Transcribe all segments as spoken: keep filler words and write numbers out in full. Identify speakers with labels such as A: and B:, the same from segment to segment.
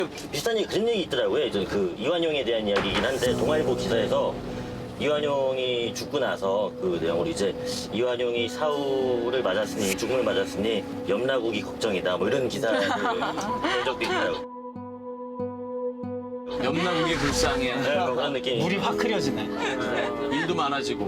A: 비슷한 얘기, 그런 얘기 있더라고요. 예전 그 이완용에 대한 이야기이긴 한데 동아일보 기사에서 이완용이 죽고 나서 그 내용으로 이제 이완용이 사후를 맞았으니 죽음을 맞았으니 염라국이 걱정이다 뭐 이런 기사를 본 적도 있더라고요.
B: 염라국이 불쌍해.
A: 네, 뭐 그런 느낌.
C: 물이 확 흐려지네.
B: 일도 많아지고.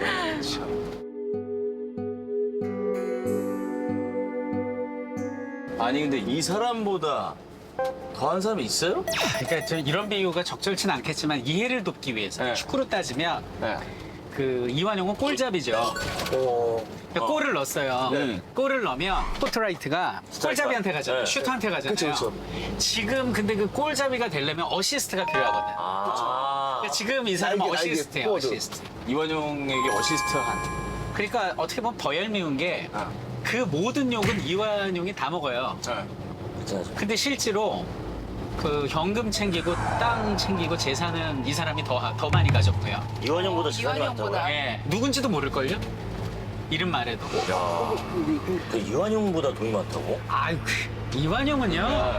B: 아니 근데 이 사람보다 더한 사람이 있어요?
C: 그러니까 저 이런 비유가 적절치는 않겠지만 이해를 돕기 위해서
B: 네.
C: 축구로 따지면
B: 네.
C: 그 이완용은 골잡이죠. 그러니까 골을 넣었어요.
B: 네.
C: 골을 넣으면 포트라이트가 골잡이한테 가잖아요.
A: 네.
C: 슈터한테 가잖아요.
D: 그쵸,
C: 지금 근데 그 골잡이가 되려면 어시스트가 필요하거든요.
A: 아.
C: 그러니까 지금 이 사람은
D: 날개, 날개,
C: 어시스트예요.
D: 포워드.
C: 어시스트.
B: 이완용에게 어시스트 한.
C: 그러니까 어떻게 보면 버열미운 게 그
B: 아.
C: 모든 욕은 이완용이 다 먹어요.
B: 네.
A: 그렇죠.
C: 근데 실제로 그 현금 챙기고 땅 챙기고 재산은 이 사람이 더, 더 많이 가졌고요.
A: 이완용보다 시간이
E: 이완용보다.
A: 많다고요?
C: 예, 누군지도 모를걸요? 이름 말해도.
A: 야, 그 이완용보다 돈이 많다고?
C: 아유, 그 이완용은요.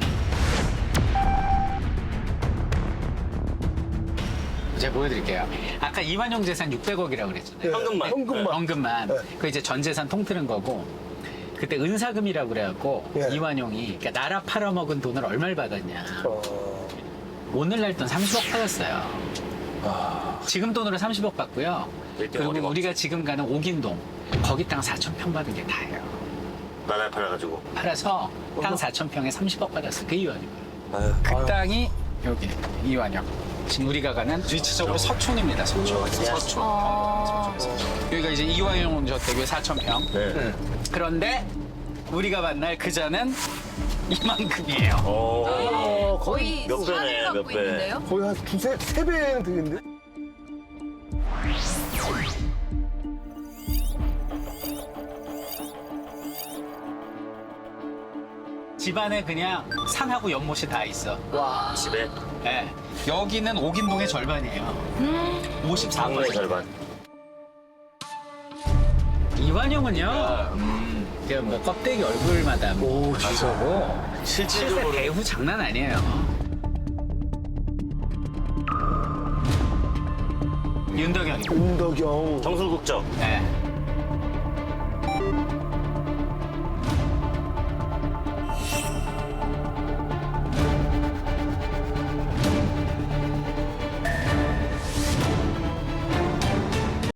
C: 제가 보여드릴게요. 아까 이완용 재산 육백억이라고 그랬잖아요.
A: 현금만.
D: 현금만.
C: 현금만.
D: 네.
C: 그 이제 전 재산 통틀은 거고. 그때 은사금이라고 그래갖고
D: 예.
C: 이완용이 그러니까 나라 팔아먹은 돈을 얼마를 받았냐.
D: 어,
C: 오늘날 돈 삼십억 받았어요. 지금 돈으로 삼십억 받고요.
A: 일등
C: 그리고
A: 어디가
C: 우리가 지금 가는 옥인동 거기 땅 사천 평 받은 게 다예요.
A: 나라에 팔아가지고.
C: 팔아서 땅 사천 평에 삼십억 받았어요. 그 이완용.
A: 아유.
C: 그 땅이 여기 이완용. 지금 우리가 가는 위치적으로 서촌입니다. 서촌. 서촌.
E: 어...
C: 여기가 이제 이완용 저택의 사천 평.
A: 네.
C: 그런데 우리가 만날 그자는 이만큼이에요.
A: 오.
E: 어, 거의
A: 몇 배네,
E: 산을
A: 몇
E: 갖고
A: 배.
E: 있는데요?
D: 거의 한 두세, 세 배는 되겠는데?
C: 집안에 그냥 산하고 연못이 다 있어.
A: 집에
C: 예. 여기는 옥인동의 절반이에요. 오십사
A: 방문의
C: 퍼센트.
A: 절반.
C: 이완용은요. 그 뭐 껍데기 얼굴마다 뭐 가서고 실제
B: 실질적으로
C: 배우 장난 아니에요. 윤덕현이.
D: 은덕영.
A: 정술국적.
C: 예.